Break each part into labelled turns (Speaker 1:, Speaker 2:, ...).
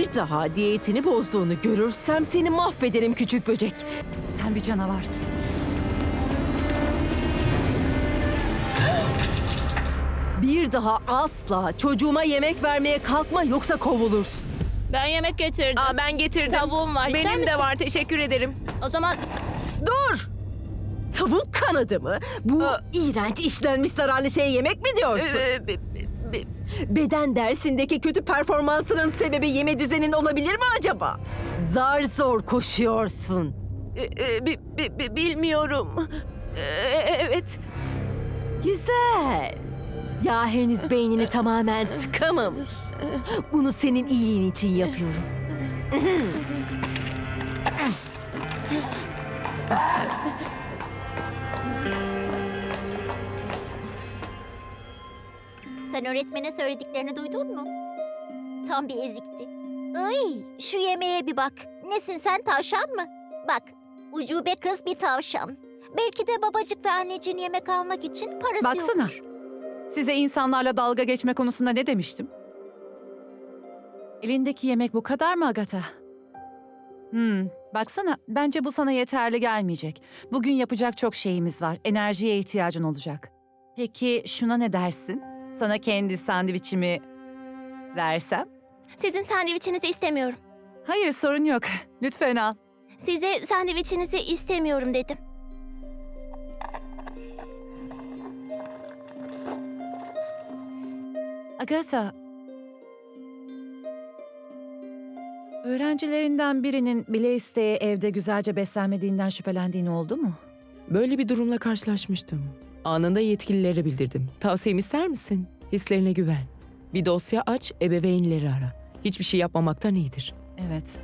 Speaker 1: Bir daha diyetini bozduğunu görürsem seni mahvederim küçük böcek.
Speaker 2: Sen bir canavarsın.
Speaker 1: Bir daha asla çocuğuma yemek vermeye kalkma yoksa kovulursun.
Speaker 3: Ben yemek getirdim.
Speaker 4: Ben getirdim.
Speaker 3: Tavuğum var. İster
Speaker 4: Benim de
Speaker 3: misin?
Speaker 4: var, teşekkür ederim.
Speaker 3: O zaman
Speaker 1: Dur! Tavuk kanadı mı? Bu iğrenç işlenmiş zararlı şey yemek mi diyorsun? Beden dersindeki kötü performansının sebebi yeme düzenin olabilir mi acaba? Zar zor koşuyorsun.
Speaker 4: Bilmiyorum. Evet.
Speaker 1: Güzel. Ya henüz beynini tamamen tıkamamış. Bunu senin iyiliğin için yapıyorum.
Speaker 5: Sen öğretmene söylediklerini duydun mu? Tam bir ezikti. Ay, şu yemeğe bir bak. Nesin sen, tavşan mı? Bak, ucube kız bir tavşan. Belki de babacık ve anneciğin yemek almak için parası
Speaker 2: Baksana.
Speaker 5: yoktur.
Speaker 2: Size insanlarla dalga geçme konusunda ne demiştim? Elindeki yemek bu kadar mı Agatha? Baksana, bence bu sana yeterli gelmeyecek. Bugün yapacak çok şeyimiz var. Enerjiye ihtiyacın olacak. Peki şuna ne dersin? Sana kendi sandviçimi versem?
Speaker 3: sizin sandviçinizi istemiyorum.
Speaker 2: Hayır, sorun yok. Lütfen al.
Speaker 3: Size sandviçinizi istemiyorum dedim.
Speaker 2: Agatha, öğrencilerinden birinin bile isteye evde güzelce beslenmediğinden şüphelendiğin oldu mu?
Speaker 4: Böyle bir durumla karşılaşmıştım. Anında yetkililere bildirdim. Tavsiyemi ister misin? Hislerine güven. Bir dosya aç, ebeveynleri ara. Hiçbir şey yapmamaktan iyidir.
Speaker 2: Evet.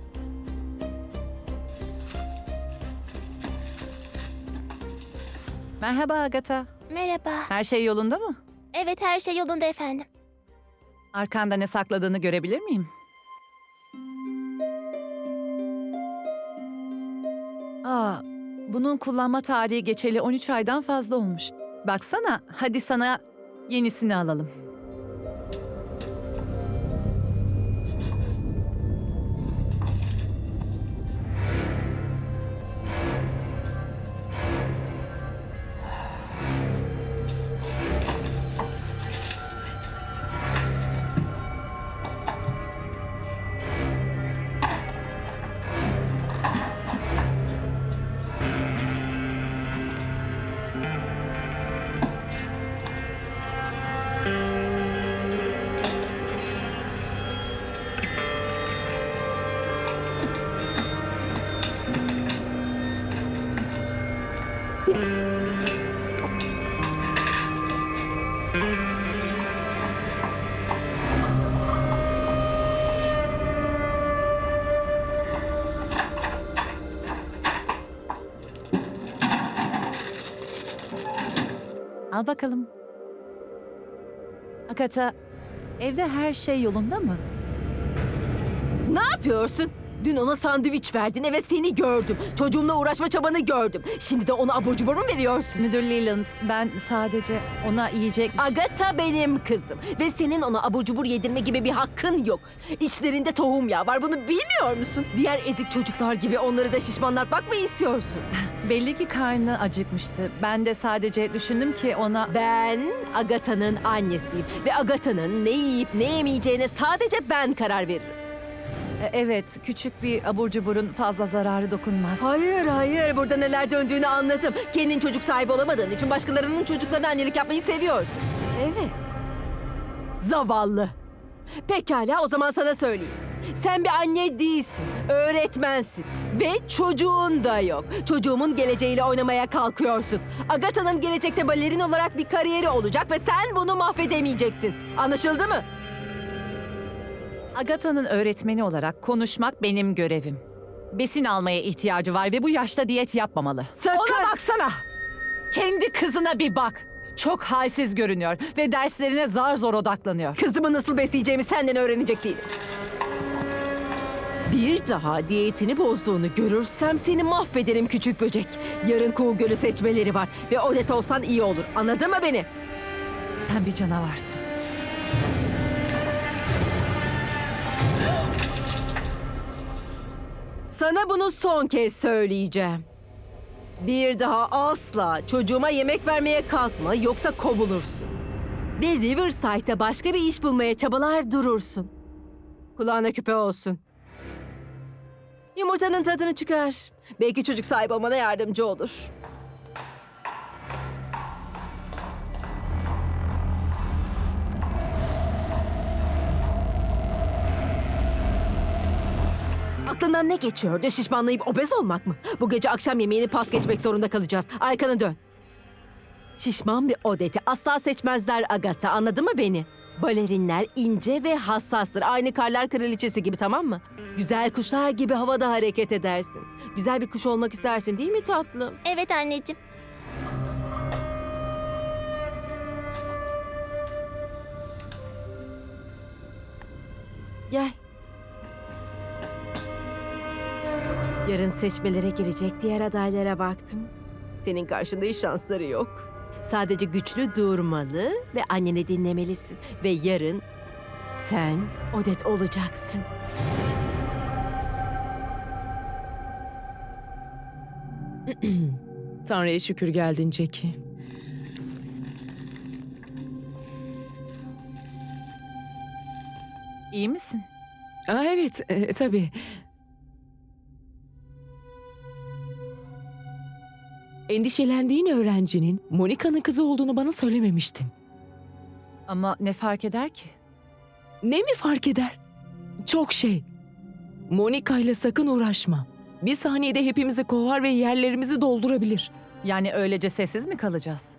Speaker 2: Merhaba Agatha.
Speaker 3: Merhaba.
Speaker 2: Her şey yolunda mı?
Speaker 3: Evet, her şey yolunda efendim.
Speaker 2: Arkanda ne sakladığını görebilir miyim? Bunun kullanma tarihi geçeli 13 aydan fazla olmuş. Baksana, hadi sana yenisini alalım. Al bakalım. Agatha, evde her şey yolunda mı?
Speaker 1: Ne yapıyorsun? Dün ona sandviç verdin ve seni gördüm. Çocuğumla uğraşma çabanı gördüm. Şimdi de ona abur cubur mu veriyorsun?
Speaker 2: Müdür Leland, ben sadece ona yiyecek...
Speaker 1: Agatha benim kızım ve senin ona abur cubur yedirme gibi bir hakkın yok. İçlerinde tohum yağı var, bunu bilmiyor musun? Diğer ezik çocuklar gibi onları da şişmanlatmak mı istiyorsun?
Speaker 2: Belli ki karnı acıkmıştı. Ben de sadece düşündüm ki ona...
Speaker 1: Ben Agatha'nın annesiyim ve Agatha'nın ne yiyip ne yemeyeceğine sadece ben karar veririm.
Speaker 2: Evet, küçük bir abur cuburun fazla zararı dokunmaz.
Speaker 1: Hayır, burada neler döndüğünü anladım. Kendin çocuk sahibi olamadığın için başkalarının çocuklarına annelik yapmayı seviyorsun. Evet. Zavallı. Pekala, o zaman sana söyleyeyim. Sen bir anne değilsin, öğretmensin ve çocuğun da yok. Çocuğumun geleceğiyle oynamaya kalkıyorsun. Agatha'nın gelecekte balerin olarak bir kariyeri olacak ve sen bunu mahvedemeyeceksin. Anlaşıldı mı?
Speaker 2: Agatha'nın öğretmeni olarak konuşmak benim görevim. Besin almaya ihtiyacı var ve bu yaşta diyet yapmamalı.
Speaker 1: Sakın!
Speaker 2: Ona baksana! Kendi kızına bir bak. Çok halsiz görünüyor ve derslerine zar zor odaklanıyor.
Speaker 1: Kızımı nasıl besleyeceğimi senden öğrenecek değilim. Bir daha diyetini bozduğunu görürsem seni mahvederim küçük böcek. Yarın Kuğu Gölü seçmeleri var ve Odette olsan iyi olur. Anladın mı beni?
Speaker 2: Sen bir canavarsın.
Speaker 1: Sana bunu son kez söyleyeceğim. Bir daha asla çocuğuma yemek vermeye kalkma yoksa kovulursun. Ve Riverside'da başka bir iş bulmaya çabalar durursun. Kulağına küpe olsun. Yumurtanın tadını çıkar. Belki çocuk sahibi olmana yardımcı olur. Aklından ne geçiyordu? Şişmanlayıp obez olmak mı? Bu gece akşam yemeğini pas geçmek zorunda kalacağız. Arkanı dön. Şişman bir Odette'i asla seçmezler Agatha. Anladın mı beni? Balerinler ince ve hassastır. Aynı karlar kraliçesi gibi, tamam mı? Güzel kuşlar gibi havada hareket edersin. Güzel bir kuş olmak istersin değil mi tatlım?
Speaker 3: Evet anneciğim.
Speaker 1: Gel. Yarın seçmelere girecek diğer adaylara baktım. Senin karşında hiç şansları yok. Sadece güçlü durmalı ve anneni dinlemelisin. Ve yarın sen Odette olacaksın.
Speaker 4: Tanrı'ya şükür geldin Jackie.
Speaker 2: İyi misin?
Speaker 4: Aa, evet, tabii. Endişelendiğin öğrencinin Monica'nın kızı olduğunu bana söylememiştin.
Speaker 2: Ama ne fark eder ki?
Speaker 4: Ne mi fark eder? Çok şey. Monica ile sakın uğraşma. Bir saniyede hepimizi kovar ve yerlerimizi doldurabilir.
Speaker 2: Yani öylece sessiz mi kalacağız?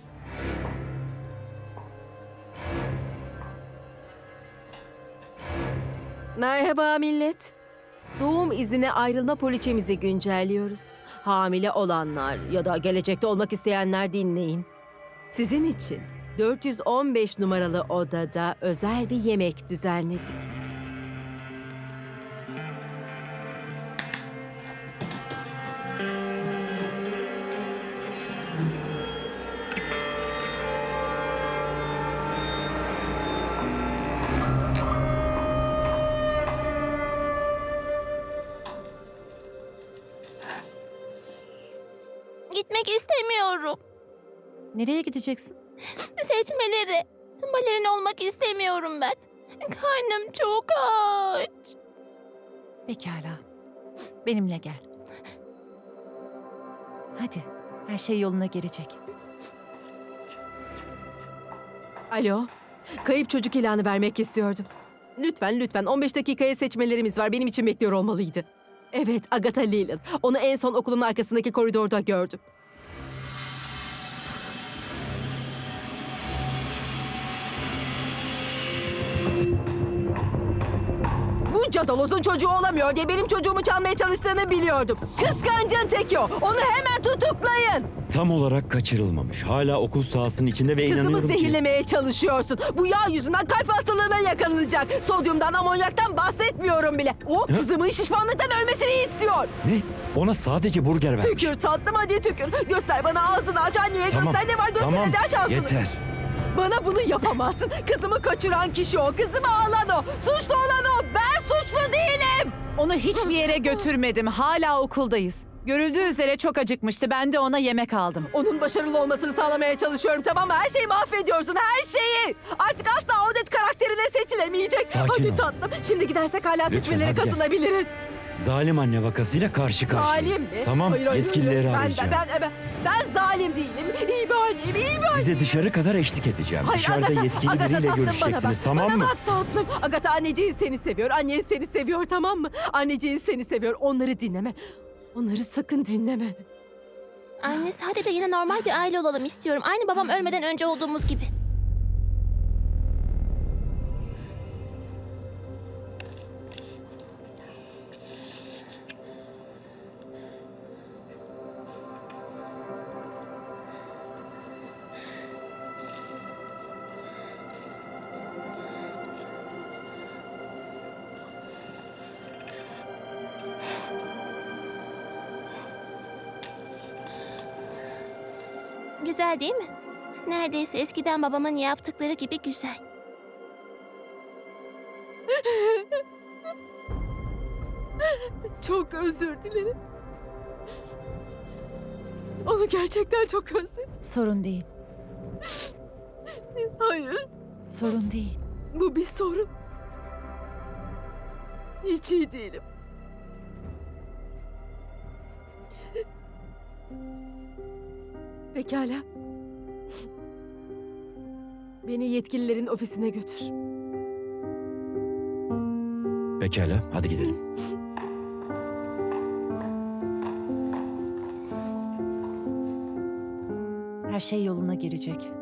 Speaker 1: Merhaba millet. Doğum iznine ayrılma poliçemizi güncelliyoruz. Hamile olanlar ya da gelecekte olmak isteyenler dinleyin. Sizin için 415 numaralı odada özel bir yemek düzenledik.
Speaker 3: Gitmek istemiyorum.
Speaker 2: Nereye gideceksin?
Speaker 3: Seçmeleri. Balerin olmak istemiyorum ben. Karnım çok aç.
Speaker 2: Pekala. Benimle gel. Hadi, her şey yoluna girecek.
Speaker 1: Alo, kayıp çocuk ilanı vermek istiyordum. Lütfen 15 dakikaya seçmelerimiz var. Benim için bekliyor olmalıydı. Evet, Agatha Leland. Onu en son okulun arkasındaki koridorda gördüm. Bu cadalozun çocuğu olamıyor diye benim çocuğumu çalmaya çalıştığını biliyordum. Kıskancın teki o. Onu hemen tutuklayın.
Speaker 6: Tam olarak kaçırılmamış. Hala okul sahasının içinde ve
Speaker 1: Kızımı
Speaker 6: inanıyorum ki...
Speaker 1: zehirlemeye çalışıyorsun. Bu yağ yüzünden kalp hastalığına yakalanacak. Sodyumdan, amonyaktan bahsetmiyorum bile. O kızımın şişmanlıktan ölmesini istiyor.
Speaker 6: Ne? Ona sadece burger vermiş.
Speaker 1: Tükür tatlım, hadi tükür. Göster bana, ağzını aç anneye,
Speaker 6: Tamam,
Speaker 1: göster ne var, göster
Speaker 6: tamam.
Speaker 1: hadi aç ağzını.
Speaker 6: Yeter.
Speaker 1: Bana bunu yapamazsın. Kızımı kaçıran kişi o. Kızımı alan o. Suçlu olan o. Ben suçlu değilim.
Speaker 2: Onu hiçbir yere götürmedim. Hala okuldayız. Görüldüğü üzere çok acıkmıştı. Ben de ona yemek aldım.
Speaker 1: Onun başarılı olmasını sağlamaya çalışıyorum, tamam mı? Her şeyi mahvediyorsun, her şeyi. Artık asla Odette karakterine seçilemeyecek.
Speaker 6: Sakin
Speaker 1: hadi
Speaker 6: ol.
Speaker 1: tatlım. Şimdi gidersek hala
Speaker 6: Lütfen,
Speaker 1: seçmelere
Speaker 6: hadi gel.
Speaker 1: katılabiliriz.
Speaker 6: Zalim anne vakasıyla karşı karşıyayız.
Speaker 1: Zalim mi?
Speaker 6: Tamam,
Speaker 1: Hayır, hayır,
Speaker 6: yetkilileri
Speaker 1: hayır.
Speaker 6: arayacağım.
Speaker 1: Ben zalim değilim. İyi bir anneyim, iyi bir anneyim.
Speaker 6: Size dışarı kadar eşlik edeceğim.
Speaker 1: Hayır,
Speaker 6: Dışarıda
Speaker 1: Agatha,
Speaker 6: yetkili
Speaker 1: Agatha
Speaker 6: biriyle
Speaker 1: tatlım,
Speaker 6: görüşeceksiniz,
Speaker 1: bana bak.
Speaker 6: tamam mı?
Speaker 1: Bana bak tatlım. Agatha, anneciğin seni seviyor. Annen seni seviyor, tamam mı? Anneciğin seni seviyor. Onları dinleme. Onları sakın dinleme.
Speaker 3: Anne, sadece yine normal bir aile olalım istiyorum. Aynı babam ölmeden önce olduğumuz gibi. Güzel değil mi? Neredeyse eskiden babamın yaptıkları gibi güzel.
Speaker 1: Çok özür dilerim. Onu gerçekten çok özledim.
Speaker 2: Sorun değil.
Speaker 1: Hayır,
Speaker 2: Sorun değil.
Speaker 1: bu bir sorun. Hiç iyi değilim. Pekala. Beni yetkililerin ofisine götür.
Speaker 6: Pekala, hadi gidelim.
Speaker 2: Her şey yoluna girecek.